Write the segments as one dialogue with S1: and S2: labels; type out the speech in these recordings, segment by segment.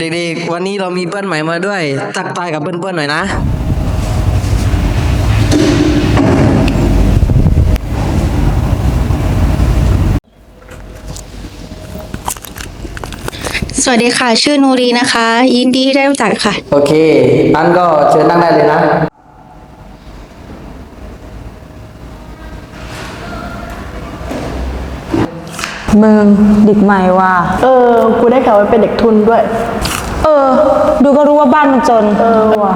S1: เด็กๆวันนี้เรามีเพื่อนใหม่มาด้วยทักทายกับเพื่อนๆหน่อยนะ
S2: สวัสดีค่ะชื่อนูรีนะคะ ยินดีที่ได้รู้จักค่ะ
S1: โอเคอันก็เชิญนั่งได้เลยนะ
S3: มึงเด็กใหม่ว่ะ
S4: กูได้ข่าวว่าเป็นเด็กทุนด้วย
S3: ดูก็รู้ว่าบ้านมันจน
S4: ว่ะ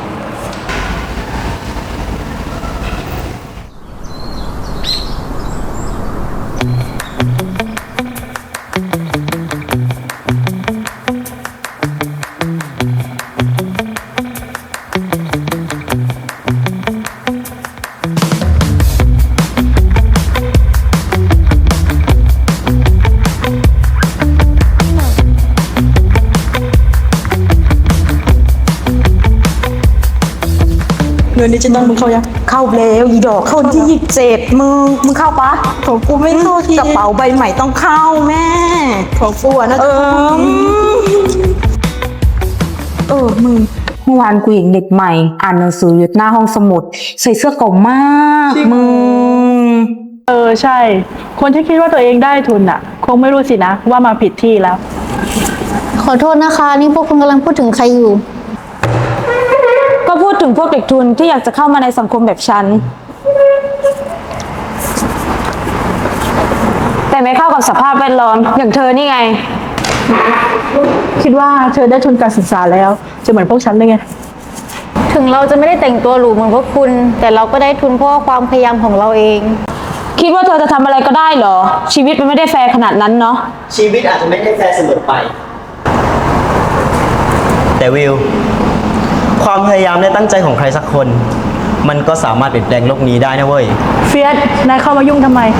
S4: เงินดิจิตอลมึงเข้ายัง
S3: เข้าแล้วอีดอกเข้าวันที่27มึงเข้าปะ
S4: ของกูไม่เข้าที่
S3: กระเป๋าใบใหม่ต้องเข้าแม่
S4: ของกูอ่ะน่าจะ
S3: มึงเมื่อวานกูเห็นเด็กใหม่อ่านหนังสืออยู่หน้าห้องสมุดใส่เสื้อเก่ามากมึง
S4: ใช่ คนที่คิดว่าตัวเองได้ทุนอ่ะ คงไม่รู้สินะว่ามาผิดที่แล้ว
S2: ขอโทษนะคะ นี่พวกคุณกำลังพูดถึงใครอยู่
S3: ก็พูดถึงพวกเด็กทุนที่อยากจะเข้ามาในสังคมแบบฉันแต่ไม่เข้ากับสภาพแวดล้อมอย่างเธอนี่ไง
S4: คิดว่าเธอได้ทุนการศึกษาแล้ว จะเหมือนพวกฉันเลยไง
S2: ถึงเราจะไม่ได้แต่งตัวหรูเหมือนพวกคุณ แต่เราก็ได้ทุนเพราะความพยายามของเราเอง
S3: คิดว่าเธอจะทำอะไรก็ได้เหรอชีวิตมันไม่ได้แฟร์ขนาดนั้นเนาะ
S5: ชีวิตอาจจะไม่ได้แฟร์เสมอไป แต่วิว ความพยายามและตั้งใจของใครสักคน มันก็สามารถเปลี่ยนแปลงโลกนี้ได้นะเว้ย
S4: เฟียสนายเข้ามายุ่งทำไม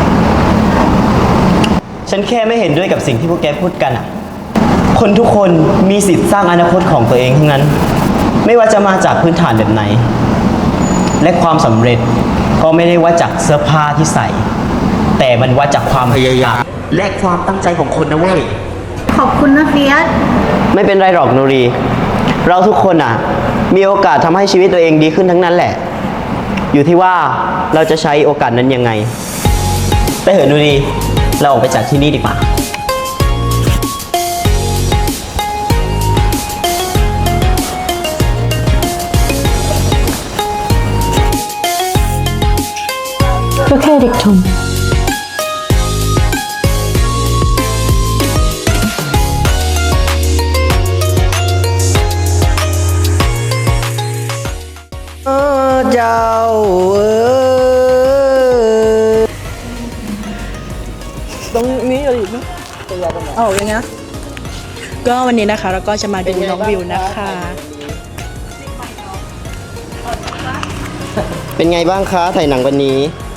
S5: ฉันแค่ไม่เห็นด้วยกับสิ่งที่พวกแกพูดกันอ่ะ คนทุกคนมีสิทธิ์สร้างอนาคตของตัวเองทั้งนั้น ไม่ว่าจะมาจากพื้นฐานแบบไหน และความสำเร็จก็ไม่ได้ว่าจากเสื้อผ้าที่ใส่ แต่มันว่าจากความพยายามและความตั้งใจของคนนะเว้ย
S2: ขอบคุณนะเฟียส
S5: ไม่เป็นไรหรอกนูรี เราทุกคนอ่ะ มีโอกาสทำให้ชีวิตตัวเองดีขึ้นทั้งนั้นแหละ อยู่ที่ว่าเราจะใช้โอกาสนั้นยังไงไปเถอะนูรี เราออกไปจากที่นี่ดีกว่า
S3: ก็แค่เด็กทุน
S1: เจ้า
S4: ตรงนี้อะไรอีกนะเอาอย่างเงี้ยก็วันนี้นะคะเราก็จะมาดูน้องวิวนะคะ
S5: เป็นไงบ้างคะถ่ายหนังวันนี้